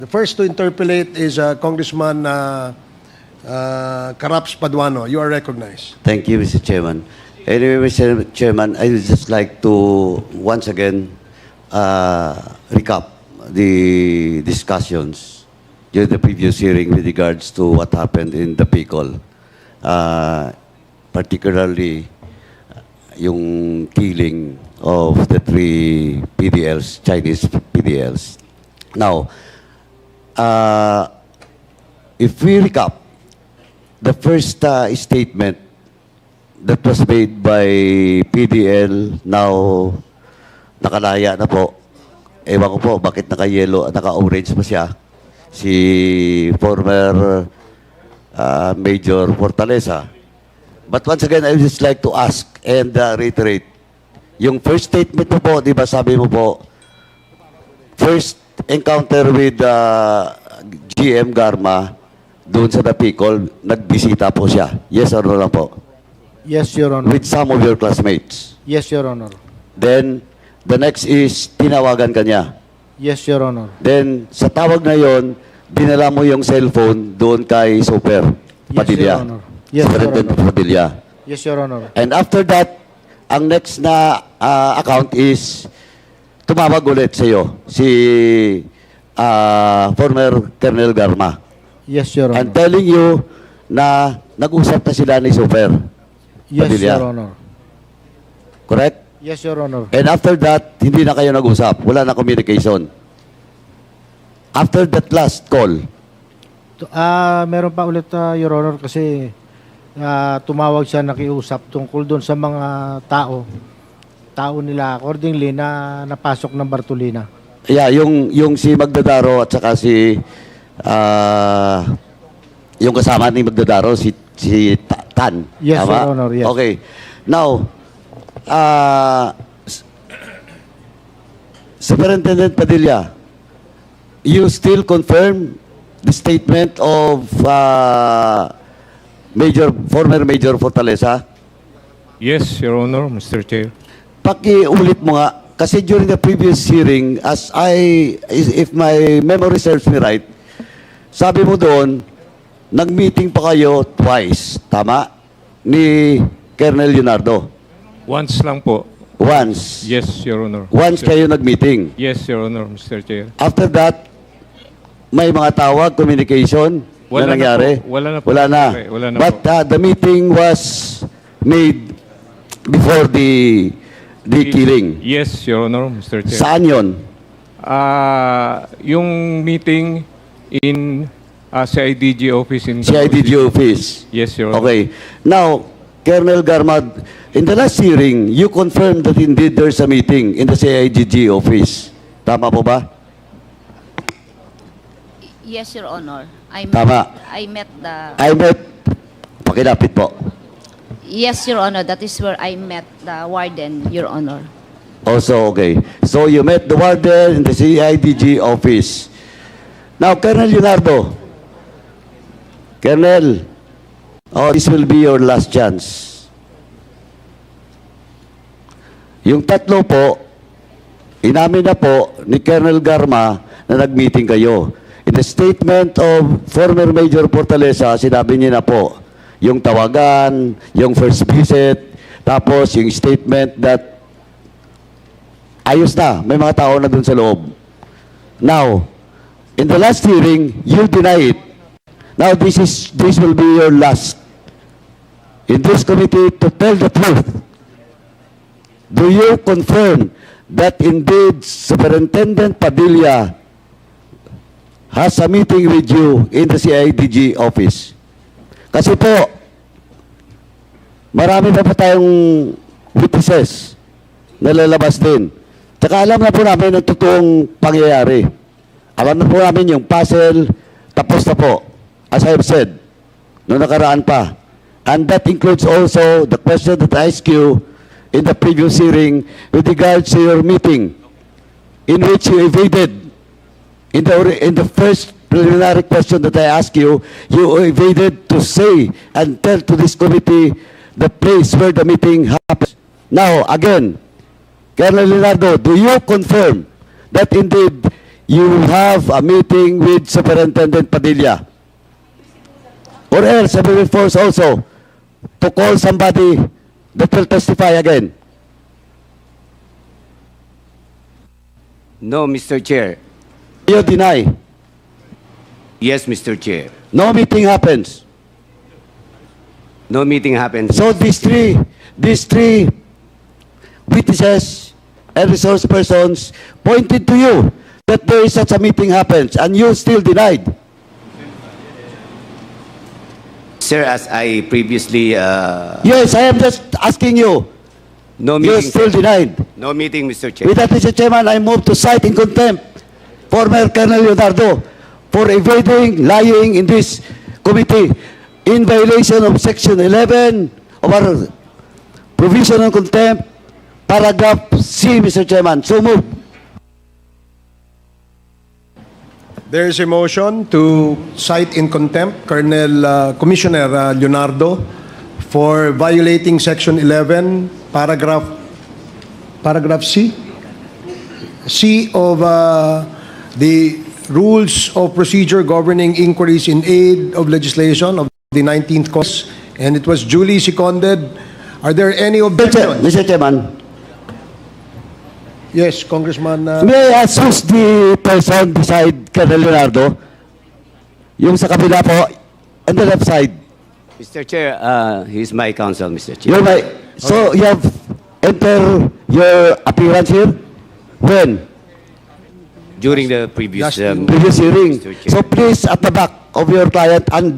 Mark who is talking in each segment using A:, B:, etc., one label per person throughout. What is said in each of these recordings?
A: The first to interpolate is Congressman Caraps Paduano. You are recognized.
B: Thank you, Mr. Chairman. Anyway, Mr. Chairman, I would just like to once again recap the discussions during the previous hearing with regards to what happened in the PICOL. Particularly yung killing of the 3 PDLs, Chinese PDLs. Now, if we recap, the first statement that was made by PDL, now nakalaya na po. Ewan ko po bakit naka-yellow, naka-orange pa siya. Si former Major Fortaleza. But once again, I would just like to ask and reiterate. Yung first statement mo po, di ba sabi mo po, first encounter with GM Garma doon sa Napicol, nagbisita po siya. Yes or no lang po?
C: Yes, Your Honor.
B: With some of your classmates.
C: Yes, Your Honor.
B: Then, the next is, tinawagan ka niya.
C: Yes, Your Honor.
B: Then, sa tawag na yon, dinala mo yung cellphone doon kay Super Padilla.
C: Your Honor. Yes, Your
B: Superintendent
C: Honor.
B: Padilla.
C: Yes, Your Honor.
B: And after that, ang next na account is, tumawag ulit sa iyo, si former Colonel Garma.
C: Yes, Your
B: And
C: Honor.
B: telling you na nag-usap na sila ni Super.
C: Yes,
B: Padilla.
C: Your Honor.
B: Correct?
C: Yes, Your Honor.
B: And after that, hindi na kayo nag-usap. Wala na communication. After that last call,
C: Meron pa ulit, Your Honor, kasi tumawag siya, nakiusap tungkol doon sa mga tao nila accordingly na napasok ng Bartolina.
B: yeah, yung si Magdadaro at saka si yung kasama ni Magdadaro, si Tan.
C: Yes,
B: Tama?
C: Your Honor, yes.
B: Okay. Now, Superintendent Padilla, you still confirm the statement of former Major Fortaleza?
D: Yes, Your Honor, Mr. Chair.
B: Pakiulit mo nga, kasi during the previous hearing, if my memory serves me right, sabi mo doon, nag-meeting pa kayo twice, tama? Ni Colonel Leonardo.
D: Once lang po.
B: Once.
D: Yes, Your Honor.
B: Once kayo nag-meeting.
D: Yes, Your Honor, Mr. Chair.
B: After that, may mga tawag, communication
D: Wala
B: na
D: na
B: nangyari?
D: po. Wala na po.
B: Wala na.
D: Wala na
B: But
D: po.
B: the meeting was made before the killing.
D: Yes, Your Honor, Mr. Chair.
B: Saan yon?
D: Yung meeting in CIDG office in
B: CIDG office.
D: Yes, Your Honor.
B: Okay. Now, Colonel Garmad, in the last hearing, you confirmed that indeed there's a meeting in the CIDG office. Tama po ba?
E: Yes, Your Honor.
B: Tama.
E: I met the...
B: I met, pakilapit po.
E: Yes, Your Honor. That is where I met the warden, Your Honor.
B: Also, okay. So you met the warden in the CIDG office. Now, Colonel Leonardo. Colonel, this will be your last chance. Yung tatlo po, inamin na po ni Colonel Garma na nag-meeting kayo. In the statement of former Major Fortaleza, sinabi niya na po, yung tawagan, yung first visit, tapos yung statement that ayos na, may mga tao na dun sa loob. Now, in the last hearing, you deny it. Now, this will be your last in this committee to tell the truth. Do you confirm that indeed Superintendent Padilla has a meeting with you in the CIDG office? Kasi po, marami na po tayong witnesses na lalabas din. Tsaka alam na po namin ang totoong pangyayari. Alam na po namin yung puzzle, tapos na po. As I have said, noong nakaraan pa. And that includes also the question that I asked you in the previous hearing with regards to your meeting in which you evaded. In the first preliminary question that I asked you, you evaded to say and tell to this committee the place where the meeting happened. Now, again, Colonel Leonardo, do you confirm that indeed you have a meeting with Superintendent Padilla. Or else, I will force also to call somebody that will testify again.
F: No, Mr. Chair.
B: You deny.
F: Yes, Mr. Chair.
B: No meeting happens.
F: No meeting happened.
B: So these three witnesses and resource persons pointed to you that there is such a meeting happens and you still denied.
F: Sir, as I previously,
B: Yes, I am just asking you.
F: no
B: You
F: meeting.
B: still denied.
F: No meeting, Mr. Chair.
B: With that, Mr. Chairman, I move to cite in contempt former Colonel Leonardo for evading, lying in this committee in violation of Section 11 of our provision on contempt, paragraph C, Mr. Chairman. So move.
A: There is a motion to cite in contempt Commissioner Leonardo for violating Section 11, paragraph C? C of the Rules of Procedure Governing Inquiries in Aid of Legislation of the 19th Congress, and it was duly seconded. Are there any objections?
B: Mr. Chairman,
A: Yes, Congressman.
B: may I ask who's the person beside Colonel Leonardo? Yung sa kabila po, on the left side.
F: Mr. Chair, he's my counsel, Mr. Chair.
B: You're my, so you have entered your appearance here? When?
F: During the previous,
B: Previous hearing.
F: Mr. Chair.
B: So please, at the back of your client, and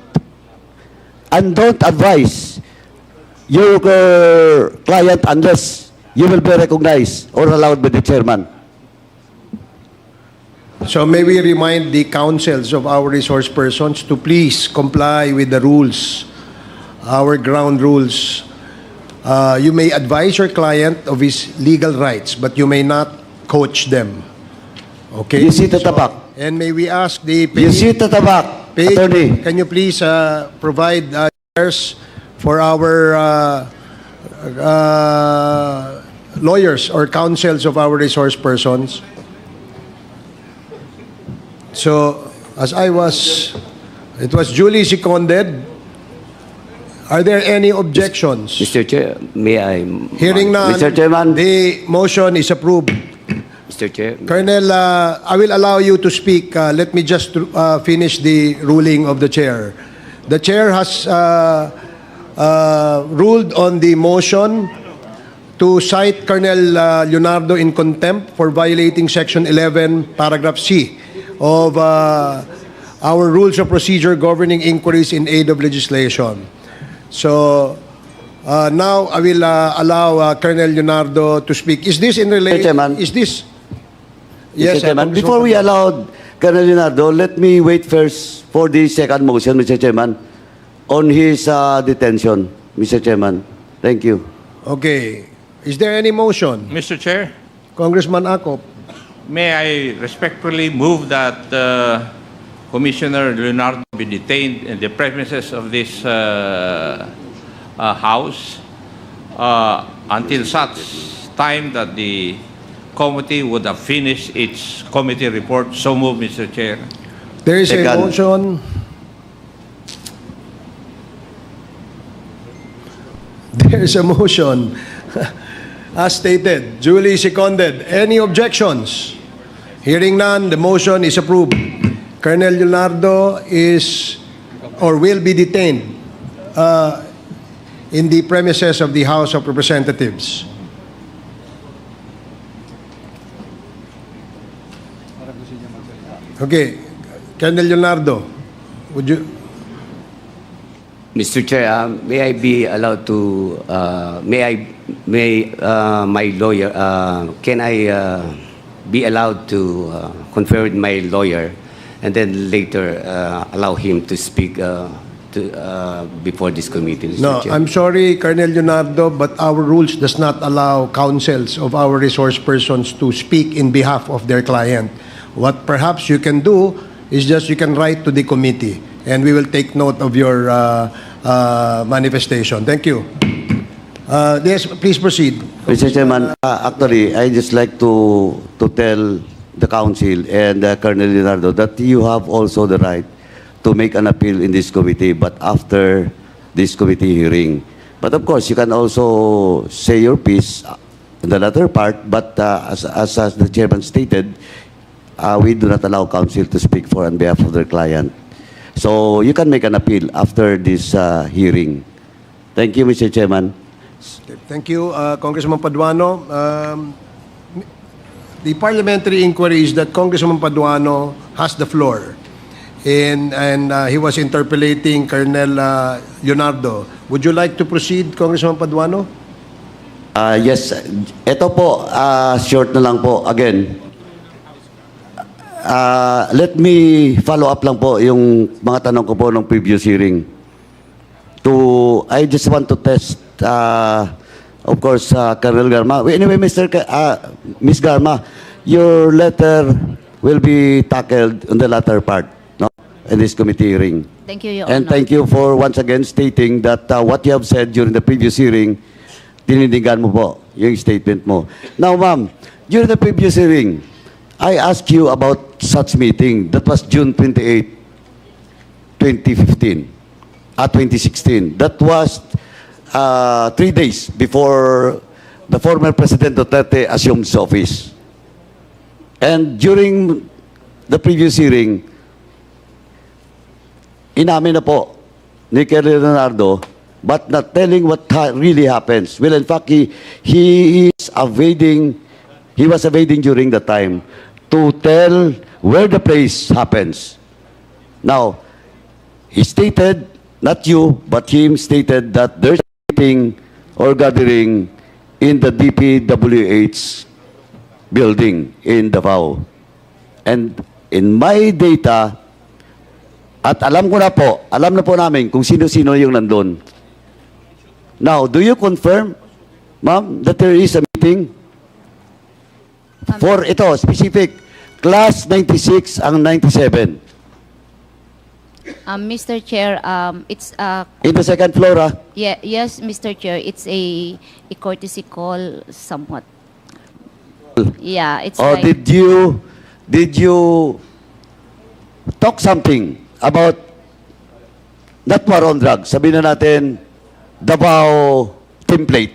B: don't advise your client unless you will be recognized or allowed by the chairman.
A: So may we remind the councils of our resource persons to please comply with the rules, our ground rules. You may advise your client of his legal rights, but you may not coach them. Okay?
B: You sit at the back.
A: And may we ask the
B: You sit at the back,
A: page,
B: attorney.
A: can you please provide chairs for our lawyers or counsels of our resource persons? So, it was duly seconded. Are there any objections?
F: Mr. Chair, may I?
A: Hearing none,
B: Mr. Chairman.
A: the motion is approved.
F: Mr. Chair,
A: Colonel, I will allow you to speak. Let me just finish the ruling of the chair. The chair has ruled on the motion to cite Colonel Leonardo in contempt for violating Section 11, paragraph C of our Rules of Procedure Governing Inquiries in Aid of Legislation. So, now I will allow Colonel Leonardo to speak. Is this in relation?
B: Chairman.
A: Is this?
B: Mr. Chairman, before we allow Colonel Leonardo, let me wait first for the second motion, Mr. Chairman, on his detention, Mr. Chairman. Thank you.
A: Okay. Is there any motion?
D: Mr. Chair,
A: Congressman Akop.
D: may I respectfully move that Commissioner Leonardo be detained in the premises of this House until such time that the committee would have finished its committee report. So move, Mr. Chair.
A: There is a
B: Second.
A: motion. There is a motion. As stated, duly seconded. Any objections? Hearing none, the motion is approved. Colonel Leonardo is or will be detained in the premises of the House of Representatives. Okay, Colonel Leonardo, would you?
F: Mr. Chair, may I be allowed to, my lawyer, can I be allowed to confer with my lawyer and then later allow him to speak before this committee, Mr.
A: No,
F: Chair?
A: I'm sorry, Colonel Leonardo, but our rules does not allow counsels of our resource persons to speak in behalf of their client. What perhaps you can do is just you can write to the committee, and we will take note of your manifestation. Thank you. Yes, please proceed.
B: Mr. Chairman, actually, I just like to tell the council and Colonel Leonardo that you have also the right to make an appeal in this committee, but after this committee hearing. But of course, you can also say your piece in the latter part, but as the chairman stated, we do not allow counsel to speak for on behalf of their client. So you can make an appeal after this hearing. Thank you, Mr. Chairman.
A: Okay, thank you, Congressman Paduano. The parliamentary inquiry is that Congressman Paduano has the floor. And he was interpellating Colonel Leonardo. Would you like to proceed, Congressman Paduano?
B: Yes, ito po, short na lang po. Again, let me follow up lang po yung mga tanong ko po ng previous hearing. I just want to test, of course, Colonel Garma. Anyway, Ms. Garma, your letter will be tackled on the latter part, no, in this committee hearing.
E: Thank you, Your
B: And
E: Honor.
B: thank you for once again stating that what you have said during the previous hearing, tinindigan mo po yung statement mo. Now, ma'am, during the previous hearing, I asked you about such meeting. That was June 28, 2015. 2016. That was 3 days before the former President Duterte assumed his office. And during the previous hearing, inamin na po ni Colonel Leonardo, but not telling what really happens. Well, in fact, he was evading during the time to tell where the place happens. Now, he stated, not you, but him stated that there's a meeting or gathering in the DPWH building in Davao. And in my data, at alam na po namin kung sino-sino yung nandun. Now, do you confirm, ma'am, that there is a meeting? For ito, specific, class 96 ang 97.
E: Mr. Chair, it's
B: In the second floor, ah.
E: yes, Mr. Chair, it's a courtesy call somewhat. Yeah, it's
B: Or
E: like
B: did you talk something about not war on drugs? Sabihin na natin, Davao template.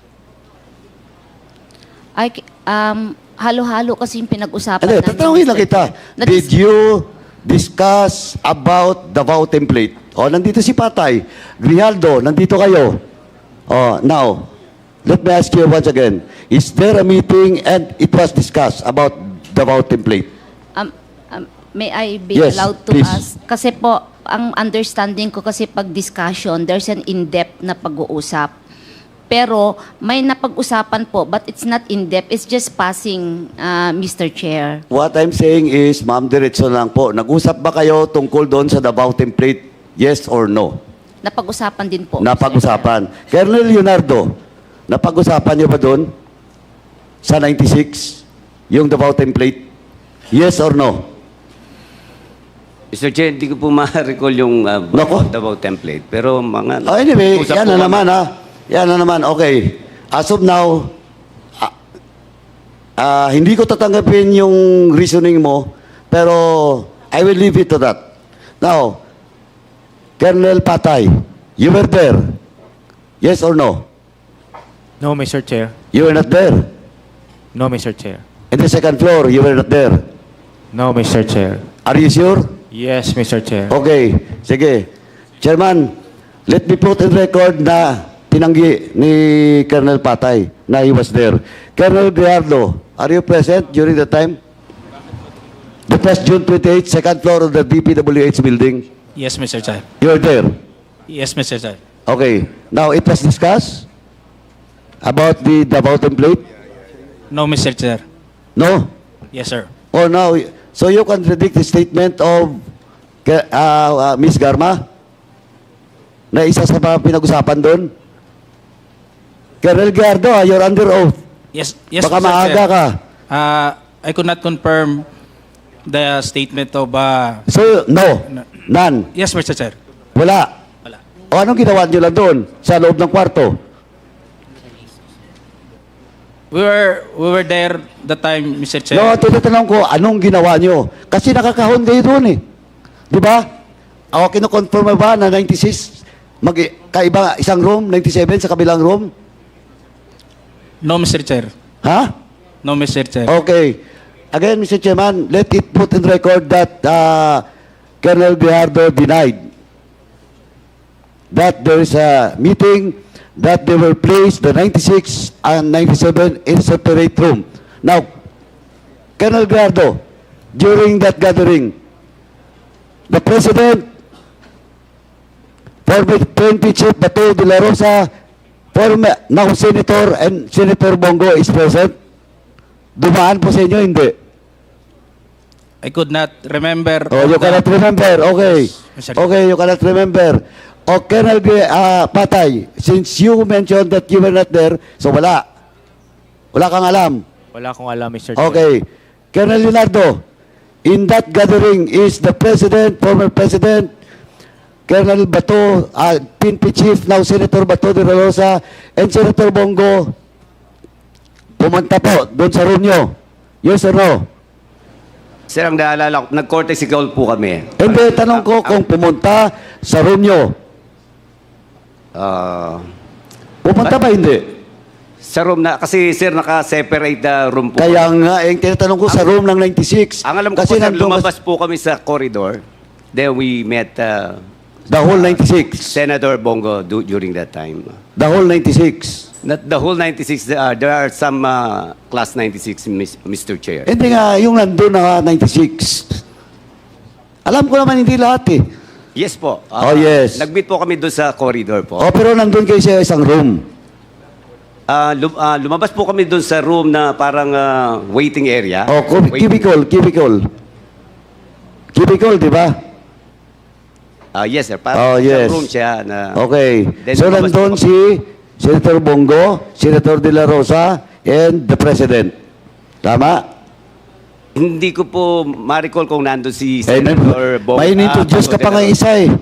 E: halo-halo kasi yung pinag-usapan
B: Ano,
E: namin.
B: tatanungin lang
E: Mr.
B: kita.
E: Chair.
B: Did you discuss about Davao template? O, nandito si Patay. Grijaldo, nandito kayo. O, now, let me ask you once again. Is there a meeting and it was discussed about Davao template?
E: May I be
B: Yes,
E: allowed to
B: please.
E: ask? Kasi po, ang understanding ko kasi pag discussion, there's an in-depth na pag-uusap. Pero may napag-usapan po, but it's not in-depth. It's just passing, Mr. Chair.
B: What I'm saying is, ma'am, diretso lang po. Nag-usap ba kayo tungkol doon sa Davao template? Yes or no?
E: Napag-usapan din po. Mr. Chair.
B: Napag-usapan. Colonel Leonardo, napag-usapan niyo ba doon sa 96 yung Davao template? Yes or no?
F: Mr. Chair, hindi ko po ma-recall yung
B: Nako.
F: Davao template. Pero mga...
B: Oh, anyway,
F: usap
B: yan
F: po
B: na
F: kami.
B: naman ha. Yan na naman, okay. As of now, hindi ko tatanggapin yung reasoning mo, pero I will leave it to that. Now, Colonel Patay, you were there. Yes or no?
G: No, Mr. Chair.
B: You were not there.
G: No, Mr. Chair.
B: In the second floor, you were not there.
G: No, Mr. Chair.
B: Are you sure?
G: Yes, Mr. Chair.
B: Okay, sige. Chairman, let me put in record na tinanggi ni Colonel Patay na he was there. Colonel Grijaldo, are you present during the time? The first June 28, second floor of the DPWH building.
G: Yes, Mr. Chair.
B: You were there.
G: Yes, Mr. Chair.
B: Okay. Now, it was discussed about the Davao template?
G: No, Mr. Chair.
B: No?
G: Yes, sir.
B: Oh, no. So you contradict the statement of Ms. Garma na isa sa mga pinag-usapan doon? Colonel Gardo, you're under oath.
G: Yes, yes,
B: Baka
G: Mr.
B: maaga
G: Chair.
B: ka.
G: I could not confirm the statement of...
B: So, no. None.
G: yes, Mr. Chair.
B: Wala.
G: Wala.
B: O anong ginawa nyo lang doon sa loob ng kwarto?
G: We were there the time, Mr. Chair.
B: No, tinatanong ko, anong ginawa nyo? Kasi nakakahon kayo doon eh. Di ba? Ako kinukonfirm mo ba na 96, kaiba isang room, 97 sa kabilang room?
G: No, Mr. Chair.
B: Ha?
G: No, Mr. Chair.
B: Okay. Again, Mr. Chairman, let it put in record that Colonel Guijardo denied that there is a meeting that they were placed, the 96 and 97, in separate room. Now, Colonel Guijardo, during that gathering, the President, former PNP Chief Bato de la Rosa, former now Senator and Senator Bongo is present. Dumaan po sa inyo, hindi?
G: I could not remember.
B: Oh, you cannot remember. Okay.
G: Mr.
B: Okay, you cannot remember. O, Colonel Patay, since you mentioned that you were not there, so wala. Wala kang alam.
H: Wala akong alam, Mr. Chair.
B: Okay. Colonel Leonardo, in that gathering is the President, former President, Colonel Bato, PNP Chief, now Senator Bato de la Rosa, and Senator Bongo, pumunta po doon sa room nyo. Yes or no?
F: Sir, ang naalala ko, nag-courtesy call po kami.
B: Hindi, tanong ko kung pumunta sa room nyo. Pumunta ba hindi?
F: Sa room na, kasi sir, naka-separate na room po.
B: Kaya nga, tinatanong ko sa room ng 96.
F: Ang alam ko
B: Kasi
F: po, sir,
B: nandun
F: lumabas po kami sa corridor. Then we met
B: the whole 96.
F: Senator Bongo during that time.
B: The whole 96.
F: Not the whole 96, there are some class 96, Mr. Chair.
B: Hindi nga, yung nandun na 96. Alam ko naman hindi lahat eh.
F: Yes po.
B: Oh, yes.
F: Nag-meet po kami doon sa corridor po.
B: O, pero nandun kayo sa isang room.
F: Lumabas po kami doon sa room na parang waiting area.
B: O, cubicle. Cubicle, di ba?
F: Yes, sir.
B: Oh,
F: Parang
B: yes.
F: room siya na...
B: Okay.
F: Then
B: So,
F: lumabas
B: nandun
F: po
B: si Senator Bongo, Senator De La Rosa, and the President. Tama?
F: Hindi ko po ma-recall kung nandun si Senator Bongo.
B: May in-introduce ka pa nga isa eh.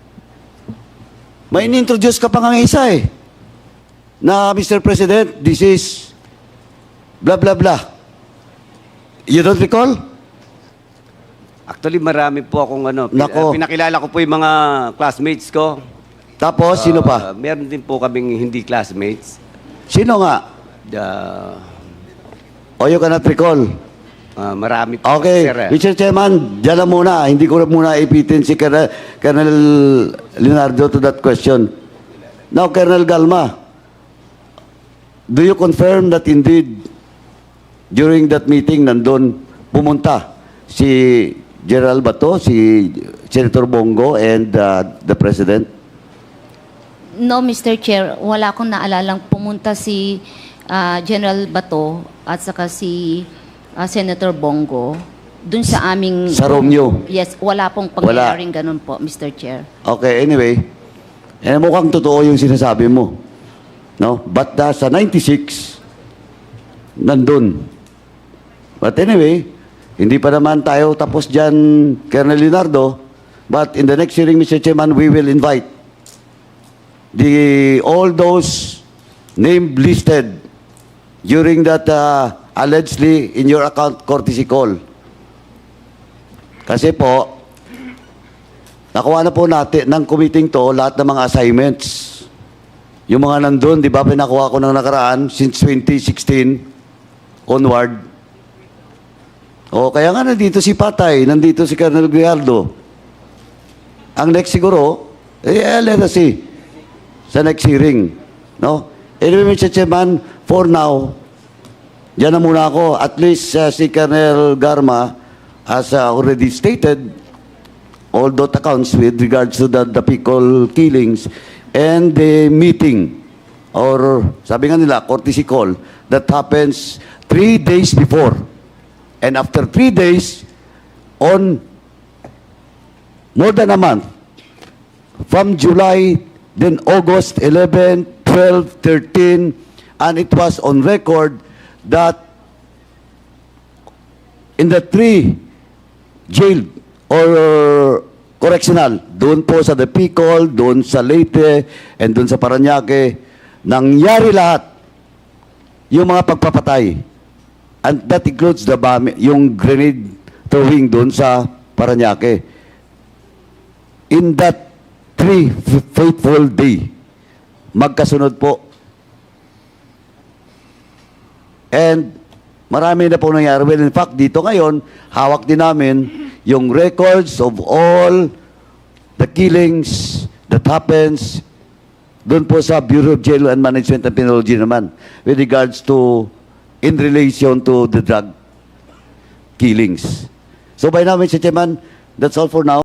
B: May in-introduce ka pa nga isa eh. Na, Mr. President, this is blah, blah, blah. You don't recall?
F: Actually, marami po akong
B: Nako.
F: pinakilala ko po yung mga classmates ko.
B: Tapos, sino pa?
F: Meron din po kaming hindi classmates.
B: Sino nga? O you cannot recall?
F: Marami po.
B: Okay,
F: Sir,
B: Mr. Chairman, dyan na muna. Hindi ko na muna ipitin si Colonel Leonardo to that question. Now, Colonel Galma, do you confirm that indeed during that meeting nandun pumunta si General Bato, si Senator Bongo, and the President?
E: No, Mr. Chair, wala akong naalalang pumunta si General Bato at saka si Senator Bongo dun sa aming...
B: Sa room nyo?
E: Yes, wala pong pangyayaring ganun po, Mr. Chair.
B: Okay, anyway, mukhang totoo yung sinasabi mo. No? But sa 96, nandun. But anyway, hindi pa naman tayo tapos dyan, Colonel Leonardo. But in the next hearing, Mr. Chairman, we will invite all those named listed during that allegedly in your account courtesy call. Kasi po, nakuha na po natin ng committee to lahat ng mga assignments. Yung mga nandun, di ba, pinakuha ko ng nakaraan since 2016 onward. O, kaya nga nandito si Patay, nandito si Colonel Guijardo. Ang next siguro, let us see sa next hearing. No? Anyway, Mr. Chairman, for now, diyan na muna ako. At least si Colonel Garma has already stated all those accounts with regards to the Picol killings and the meeting or sabi nga nila, courtesy call that happens 3 days before. And after 3 days, on more than a month, from July, then August 11, 12, 13, and it was on record that in the 3 jail or correctional, doon po sa Depicol, doon sa Leyte, and doon sa Parañaque, nangyari lahat yung mga pagpapatay. And that includes yung grenade throwing doon sa Parañaque. In that 3 fateful day, magkasunod po. And marami na po nangyari. Well, in fact, dito ngayon, hawak din namin yung records of all the killings that happens doon po sa Bureau of Jail and Management and Penology naman with regards to in relation to the drug killings. So by now, Mr. Chairman, that's all for now.